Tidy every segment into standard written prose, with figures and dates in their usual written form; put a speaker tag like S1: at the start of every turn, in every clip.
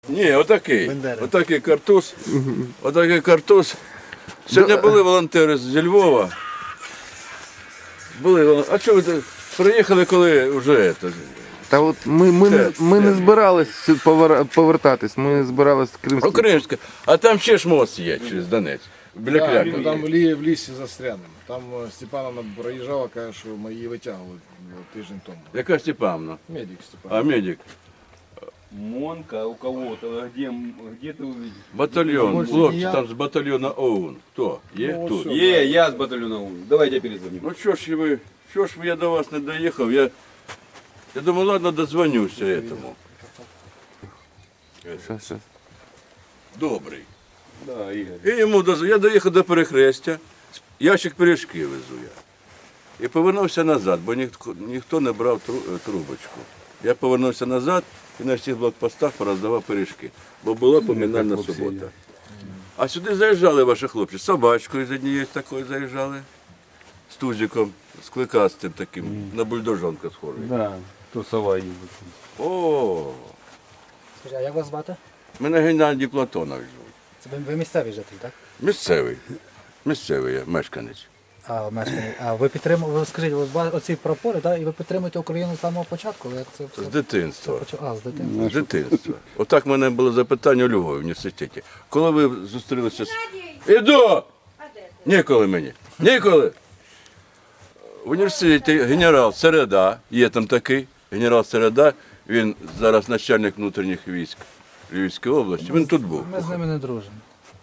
S1: Ні, отакий. Отакий картуз. Отакий картуз. Сьогодні були волонтери зі Львова. А чого ви приїхали, коли вже це?
S2: Та от ми не збирались повертатись, ми збирались в Кримську.
S1: Кримська. А там ще ж мост є через Донець. Біля Крякова.
S3: Там в лісі застрянемо. Там Степановна проїжджала, каже, що ми її витягували тиждень тому.
S1: Яка Степановна?
S3: Медик Степановна.
S1: А медик?
S4: Монка у кого-то, где ты увидел?
S1: Батальйон, хлопці, там з батальйону ОУН. Хто? Є тут?
S4: Я с батальона УН. Давайте я перезвоню.
S1: Ну що ж я до вас не доїхав? Я думаю, ладно, дозвонюся этому.
S2: Щас.
S1: Добрий.
S4: Да, Игорь.
S1: І йому я доїхав до перехрестя, ящик пиріжки везу я. І повернувся назад, бо ніхто не брав трубочку. Я повернувся назад і на всіх блокпостах пороздавав пиріжки, бо була поминальна субота. А сюди заїжджали ваші хлопці, з собачкою з однією такою заїжджали, з тузиком, з кликастим таким, на бульдожонка схожий.
S4: Да, то сова ездит.
S1: О,
S5: Скажи, а як вас звати?
S1: мене Геннадій Платонович звуть.
S5: Це ви місцевий житель, так?
S1: Місцевий я, мешканець.
S5: А ви підтримуєте, ви скажіть, оці прапори, так? І ви підтримуєте Україну з самого початку? Як це все?
S1: З дитинства.
S5: З дитинства.
S1: З дитинства. Отак в мене було запитання у Львові в університеті. Коли ви зустрілися з... Іду! Ніколи мені. Ніколи! В університеті генерал Середа, є там такий, генерал Середа, він зараз начальник внутрішніх військ Львівської області, він тут був,
S5: Ми з ними не дружимо.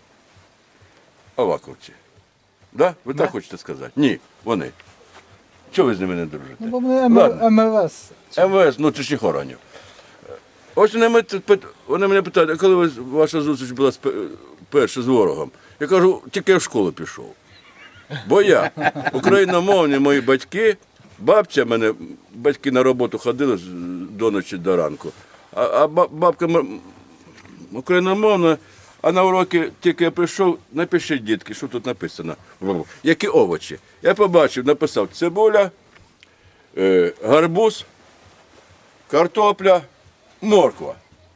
S1: Аваковці. Да? Ви так хочете сказати? Ні, вони. Чого ви з ними не дружите?
S5: Ну, бо ми
S1: Ладно.
S5: МВС.
S1: МВС внутрішніх органів. Ось вони мене питають, а коли ваша зустріч була перша з ворогом? Я кажу, тільки я в школу пішов. Бо я, україномовні мої батьки, бабця мене, батьки на роботу ходили до ночі до ранку, а бабка україномовна, а на уроки тільки я прийшов, напишіть, дітки, що тут написано. Які овочі. Я побачив, написав цибуля, гарбуз, картопля, морква.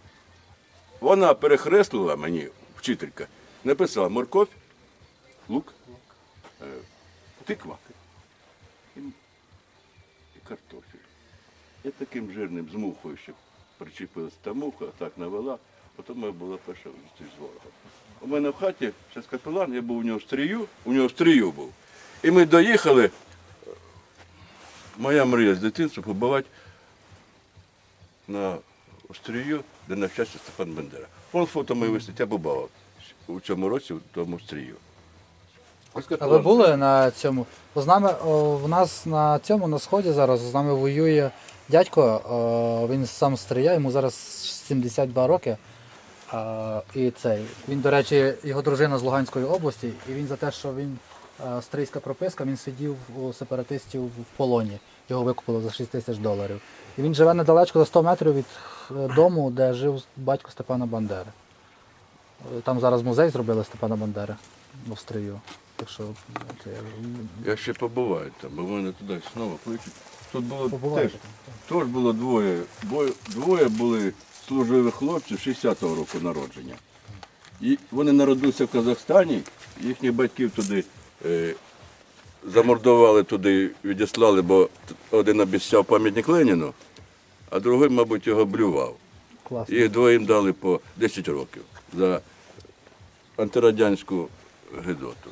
S1: Вона перехреслила мені, вчителька, написала морковь, лук, тиква і картофель. Я таким жирним з мухою, що причепилась та муха, так навела, потім моя була перша зустріч з ворогом. У мене в хаті, зараз капелан, я був у нього в стрію був. І ми доїхали, моя мрія з дитинства побувати на острію, де навчався Степан Бандера. Вон фото моє висить, я побував у цьому році в тому стрію.
S5: А ви були на цьому? Бо з нами, в нас на цьому, на сході зараз, з нами воює дядько, він сам стріляє, йому зараз 72 роки. Він, до речі, його дружина з Луганської області, і він за те, що він стрийська прописка, він сидів у сепаратистів в полоні. Його викупили за $6 000. І він живе недалечко, за 100 метрів від дому, де жив батько Степана Бандери. Там зараз музей зробили Степана Бандери в Стрию. Так що,
S1: Я ще побуваю там, бо в мене туди знову кличуть. Тут було
S5: Побуваєте?
S1: теж було двоє були служивих хлопців 60-го року народження. І вони народилися в Казахстані, їхніх батьків туди замордували, туди відіслали, бо один обіцяв пам'ятник Леніну, а другий, мабуть, його блював.
S5: класно.
S1: Їх двоїм дали по 10 років за антирадянську гидоту.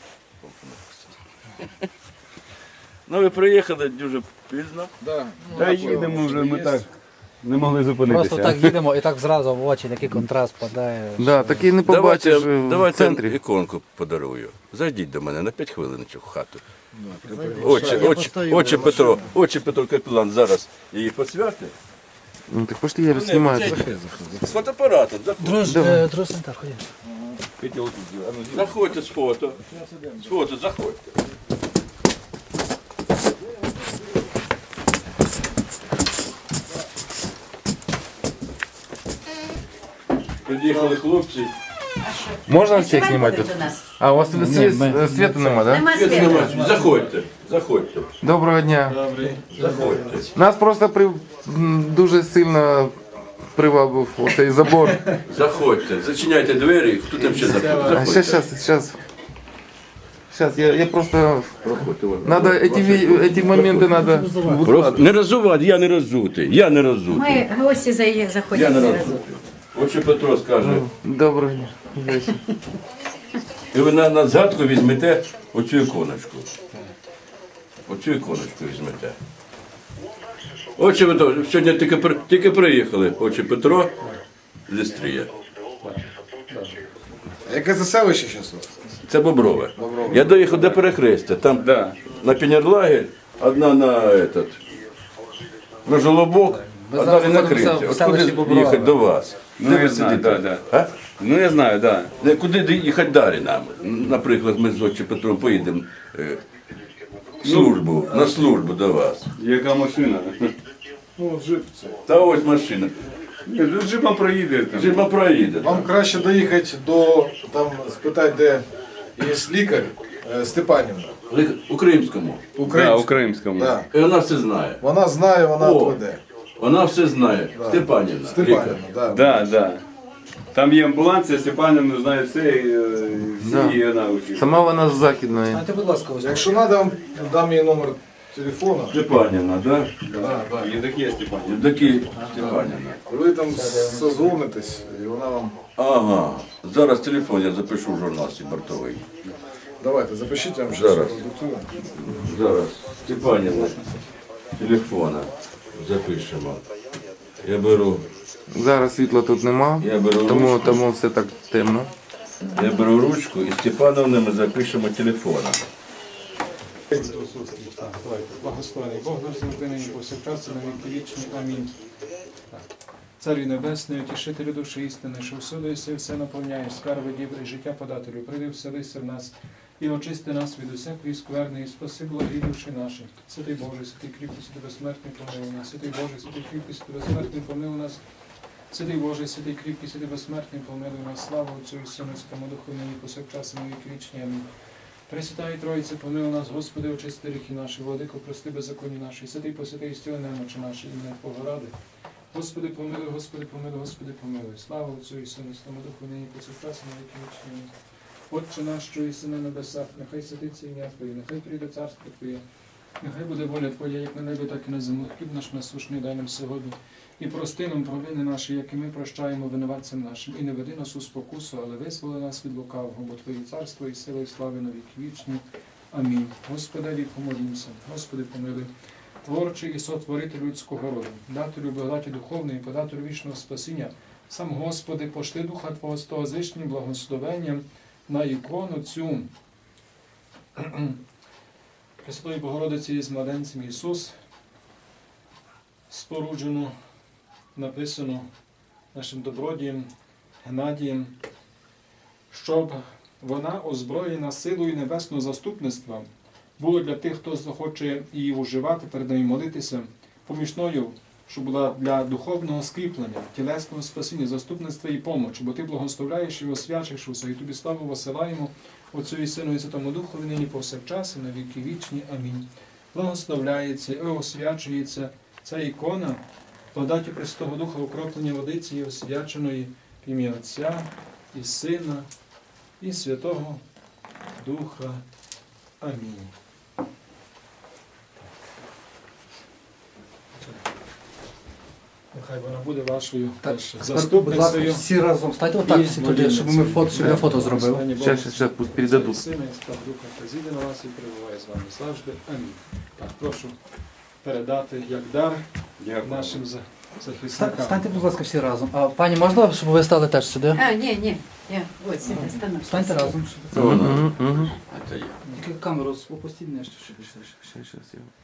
S1: Ну, ви приїхали дуже пізно.
S3: Да.
S4: Та їдемо вже, ми так не могли зупинитися.
S5: Просто так їдемо і так зразу в очі такий контраст падає.
S2: Да, такий не побачиш в
S1: Давайте
S2: центрі.
S1: іконку подарую. Зайдіть до мене на 5 хвилиночок в хату. Очі Петро Капелан зараз її посвятить.
S2: Ну так пошли, я знімаю.
S1: З фотоапаратом.
S5: Друзі, так, ходімо.
S1: Заходьте з фото. З фото, заходьте. Приїхали хлопці.
S2: Можна всіх знімати?
S6: До нас.
S2: А у вас світу нема, так?
S6: Нема
S1: Світ
S6: світу.
S1: нема. Заходьте, заходьте,
S2: Доброго дня.
S1: заходьте.
S2: Нас просто дуже сильно привабив оцей забор.
S1: Заходьте, зачиняйте двері, хто там ще
S2: А
S1: заходить.
S2: сейчас, я просто...
S1: Проходьте, вон.
S2: Надо эти моменты надо...
S1: Не розувати, я не розутий, я не розутий.
S6: Ми гості
S1: Я
S6: заходять
S1: не
S6: зразу.
S1: розутий. Отче Петро скаже,
S2: Доброго дня. Здрасте.
S1: і ви на згадку візьмете оцю іконочку. Оцю іконочку візьмете. Отче Петро, сьогодні тільки приїхали, отче Петро з Істрія.
S3: А яке це селище зараз?
S1: Це Боброве. Я доїхав до перехрестя, там
S4: Да.
S1: на Пінерлагер, одна на Жолобок,
S5: Ми
S1: а
S5: зараз
S1: далі на
S5: знаходимося
S1: Кринці.
S5: в
S1: От
S5: селищі
S1: куди
S5: Боброве.
S1: їхати до вас?
S4: Ну,
S1: Де
S4: я
S1: ви
S4: знаю,
S1: сидите?
S4: да.
S1: А?
S4: Ну я знаю, да.
S1: Куди їхати далі нам? Наприклад, ми з отче Петром поїдемо службу, на службу до вас.
S4: Яка машина?
S3: Ну, джип це.
S1: Та ось машина.
S4: Ні, ну джипом проїде там.
S1: Жима проїде.
S3: Вам краще доїхати до, там, спитати, де є лікар Степанівна.
S1: У Кримському.
S4: Да,
S3: Українська.
S4: у Кримському.
S3: Да.
S1: І вона все знає.
S3: Вона знає, вона
S1: О.
S3: веде.
S1: Вона все знає. Степанівна.
S3: Степанівна,
S1: лікар.
S3: да.
S4: Да, да. Там є амбуланція, Степанівна знає все, і
S2: Да.
S4: всі вона учить.
S2: Сама вона з Західної.
S5: Знаєте, будь ласка, ось.
S3: Якщо треба, вам дам їй номер телефону.
S1: Степанівна, так?
S3: Да, да.
S4: Євдокія Степанівна.
S1: Такі Степанівна.
S3: Ви там созвонитесь, і вона вам...
S1: Ага. Зараз телефон я запишу в журнал свій бортовий.
S3: Давайте, запишіть, я вам
S1: Зараз.
S3: щось продиктую.
S1: Зараз Степанівна телефона запишемо. Я беру
S2: Зараз світла тут нема,
S1: Я беру ручку.
S2: тому все так темно.
S1: ручку і Степановне ми запишемо телефона.
S7: Благословений Бог наш завжди нині повсякчас і на віки вічні. Амінь. Так. Царю Небесний, утішителю душі істини, що всюди єси все наповняєш, скарби дібри, і життя подателю, прийди вселися в нас і очисти нас від усякої скверни, і спаси благі душі наші. Святий Боже, святий кріпкий, святий безсмертний, помилуй нас. Святий Боже, святий кріпкий, святий безсмертний, помилуй нас. Святий Боже, святий кріпкий, святий безсмертний, помилуй нас. Слава Отцю і Сину, і Святому Духу, нині повсякчас і на віки вічні. Амінь. Пресвятая Троїця, помилуй нас, Господи, очисти гріхи наші, владико, прости беззаконні наші, святий посвятий стіл немочі наші, ім'я Твого ради. Господи, помилуй, Господи, помилуй, Господи, помилуй. Слава Отцю і Сину, і Святому Духу, нині повсякчас і на віки вічні. Амінь. Отче наш, що єси на небесах, нехай святиться ім'я Твоє, нехай прийде царство Твоє, нехай буде воля Твоя, як на небі, так і на землі. Хліб наш насущний дай нам сьогодні. І прости нам провини наші, як і ми прощаємо винуватцям нашим. І не веди нас у спокусу, але визволи нас від лукавого, бо Твоє царство і сила, і слави на віки вічні. Амінь. Господи, помолімся. Господи, помилуй. Творчий і сотворитель людського роду, дателю благодаті духовної, подателю вічного спасіння, сам Господи, пошли Духа Твого з того звичним благословенням на ікону цю Пресвятої Богородиці з младенцем Ісус, споруджену, написано нашим добродієм Геннадієм, щоб вона, озброєна силою небесного заступництва, було для тих, хто захоче її уживати, перед нею молитися, помічною, щоб була для духовного скріплення, тілесного спасіння, заступництва і помочі, бо Ти благословляєш і освячиш усе, і Тобі славу посилаємо, Отцю і Сину і Святому Духові, нині повсякчас і на віки вічні. Амінь. Благословляється і освячується ця ікона, благодаті Пресвятого Духа, окроплення водиці і освяченої в ім'я Отця і Сина і Святого Духа. Амінь. Нехай вона буде вашою теж
S5: Будь ласка,
S7: заступницею.
S5: всі разом стайте отак всі туди, щоб ми фото, щоб я фото зробив.
S2: Сейчас, пусть передадут.
S7: Сина і Святого Духа, хай зійде на вас і перебуває з вами завжди. Амінь. Так, прошу передати як дар нашим захисникам.
S5: Станьте, будь ласка, всі разом. А пані, можна, щоб ви стали теж сюди?
S6: А, ні, я от сюди стану.
S5: Станьте разом.
S1: Це вона.
S2: Мгм.
S1: Це я.
S5: Тільки камеру опустіть нижче, щоб
S2: Сейчас, я...